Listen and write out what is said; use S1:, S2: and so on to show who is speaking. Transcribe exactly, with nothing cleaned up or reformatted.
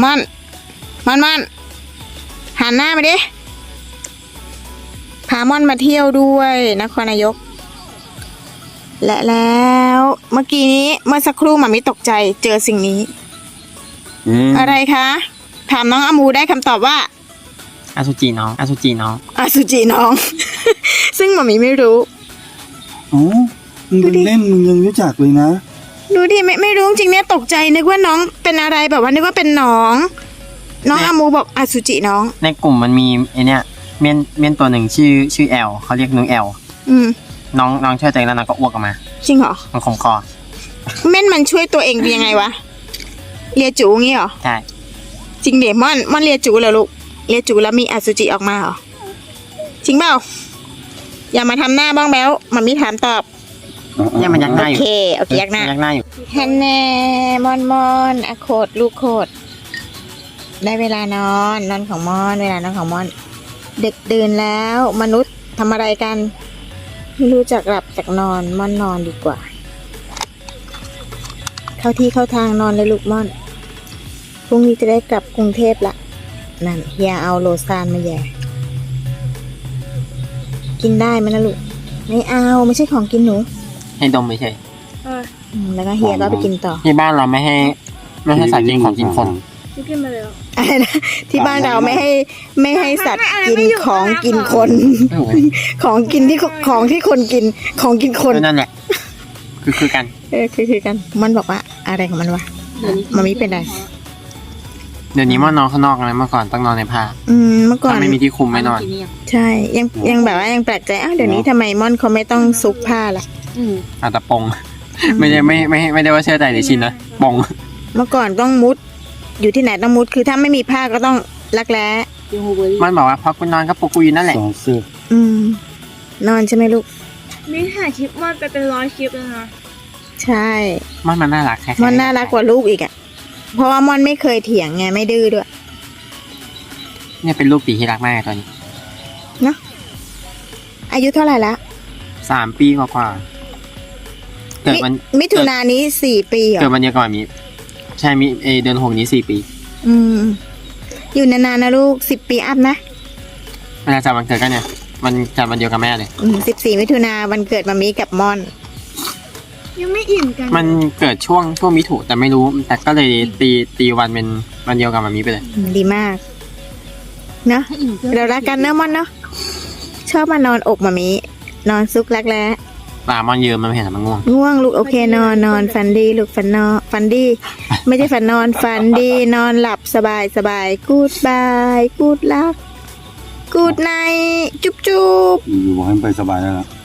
S1: ม่อนม่อนม่อนหันหน้ามาดิพาม่อนมาเที่ยวด้วยนครนายกและแล้วเมื่อกี้นี้เมื่อสักครู่หมามิตกใจเจอสิ่งนี้
S2: อืม
S1: อะไรคะถามน้องอามูได้คำตอบว่า
S3: อสุจิน้องอสุจิน้อง
S1: อสุจิน้อง ซึ่งหมามิไม่รู้
S2: อ๋อมึงเป็นเล่นมึงยังรู้จักเลยนะ
S1: ดูดิไม่ไม่รู้จริงเนี่ยตกใจนึกว่าน้องเป็นอะไรแบบว่านึกว่าเป็นน้อง น้องอามูบอกอสุจิน้อง
S3: ในกลุ่มมันมีไอเนี้ยเมียนเมียนตัวหนึ่งชื่อชื่อแอลเขาเรียกนุ้ยแอล
S1: อืม
S3: น้องน้องช่วยตัวเองแล้วน้องก็อ้วกออกมา
S1: จริงเหรอ
S3: มันคมคอ
S1: เม่นมันช่วยตัวเองเป็นยังไงวะเลียจูงี้เหรอ
S3: ใช่
S1: จริงเดม่อนม่อนเลียจูเหรอลูกเลียจูแล้วมีอสุจิออกมาเหรอจริงเปล่าอย่ามาทำหน้าบ้องแบ้วมันมีถามตอบ
S3: เนี่ยมันยักห
S1: โอ
S3: น้าอยู่
S1: เคโอเคยักหน้า
S3: ยักหน้าอยู่
S1: ฮันแน่มอนมอนอะโคดลูกโคดได้เวลานอนนอนของมอนเวลานอนของมอนดึกดื่นแล้วมนุษย์ทำอะไรกันไม่รู้จักหลับจากนอนมอนนอนดีกว่า เข้าที่เข้าทางนอนเลยลูกม่อนพรุ่งนี้จะได้กลับกรุงเทพละนั่นเฮียเอาโลซานมาแย่กินได้ไหมนะลูกไม่เอาไม่ใช่ของกินหนู
S3: ให้ดมเฉย
S1: อืมแล้วก็เฮียก็ไปกินต่อ
S3: ที่บ้านเราไม่ให้ไม่ให้สัตว์กินของกินคน
S1: อะไรนะที่บ้านเราไม่ให้ไม่ให้สัตว์กินของกินคน ของกินที่ของที่คนกินของกินคน
S3: ก็นั่นแหละคือคือกัน
S1: เออคือคือกันมันบอกว่าอะไรของมันวะมันไม่เป็นไร
S3: เดี๋ยวนี้มอนนอนข้างนอกนะเมื่อก่อนต้องนอนในผ้า
S1: อืมเมื่อก่อน
S3: ถ้าไม่มีที่คุมไม่นอน
S1: ใช่ยังยังแบบว่ายังแปลกใจอ้าวเดี๋ยวนี้ทำไมม่อนเขาไม่ต้องซุกผ้าล่ะ
S3: อาจจะปงไม่ได้ไม่ไม่ไม่ได้ว่าเชื่อใจหรือชินนะปง
S1: เมื่อก่อนต้องมุด อยู่ที่ไหนต้องมุดคือถ้าไม่มีผ้าก็ต้องรักแร้
S3: มันบอกว่าพอกูนอนก็ปลุกกูอยู่นั่นแหละ
S2: สองเสื้อ
S1: อืม นอนใช่ไหมลูก
S4: นี่ถ่ายคลิปมอนไปเป็นร้อยคลิปแล้วนะ
S1: ใช่
S3: มันมันน่ารักแค่
S1: ม่อนน่ารักกว่าลูกอีกอ่ะเพราะว่าม่อนไม่เคยเถียงไงไม่ดื้อด้วย
S3: เนี่ยเป็นลูกปีที่รักมากตอนนี้
S1: เนาะอายุเท่าไหร่ละ
S3: สามปีกว่าๆเกิดวัน
S1: มิมิถุนายนนี้สี่ปีเหร
S3: เกิด
S1: อ
S3: วันเดียวก่อนมีใช่มีเอเดือนหกนี้สี่ปี
S1: อืม อยู่นานๆนะลูกสิบปีอัพนะ
S3: เวลาจำวันเกิดกันเนี่ยมันจำวันเดียวกับแม่เลย
S1: สิบสี่มิถุนาวันเกิดมามีกับม่อน
S4: ยังไม่อิ่มกัน
S3: มันเกิดช่วงช่วงมิถุแต่ไม่รู้ แต่ก็เลยตีตีวันเป็นวันเดียวกับมามีไปเลย
S1: อืมดีมาก เนอะเรารักกันเนอะม่อนเนอะชอบมานอนอกมามีนอนซุกรักแร้
S3: ปลามอนยืมมันไม่เห็นมันง่วง
S1: ง่วงลูกโอเคนอนนอนฝันดีลูกฝันนอนฝันดี ไม่ใช่ฝันนอนฝันดีนอนหลับสบายสบายกูดบายกูดลักกูดไนจุ๊บจุ๊บ
S2: อยู่ๆบอกให้มันไปสบายแล้วล่ะ